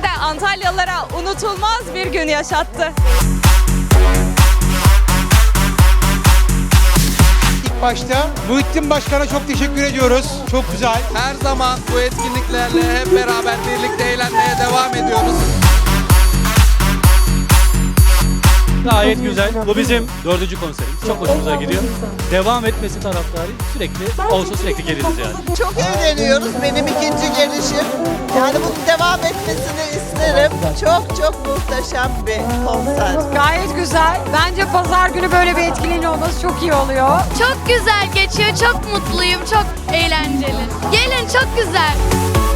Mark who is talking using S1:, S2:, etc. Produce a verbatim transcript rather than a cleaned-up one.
S1: Antalyalılara unutulmaz bir gün yaşattı.
S2: İlk başta Muhittin Başkan'a çok teşekkür ediyoruz. Çok güzel.
S3: Her zaman bu etkinliklerle hep beraber birlikte eğlenmeye devam ediyoruz.
S4: Gayet güzel. Bu bizim dördüncü konserimiz. Çok hoşumuza gidiyor. Devam etmesi taraftarı sürekli olsa sürekli geliriz yani.
S5: Çok eğleniyoruz. Benim ikinci gelişim. Yani bunun devam etmesini isterim. Çok çok muhteşem bir konser.
S1: Gayet güzel. Bence pazar günü böyle bir etkinliğin olması çok iyi oluyor.
S6: Çok güzel geçiyor, çok mutluyum, çok eğlenceli. Gelin, çok güzel.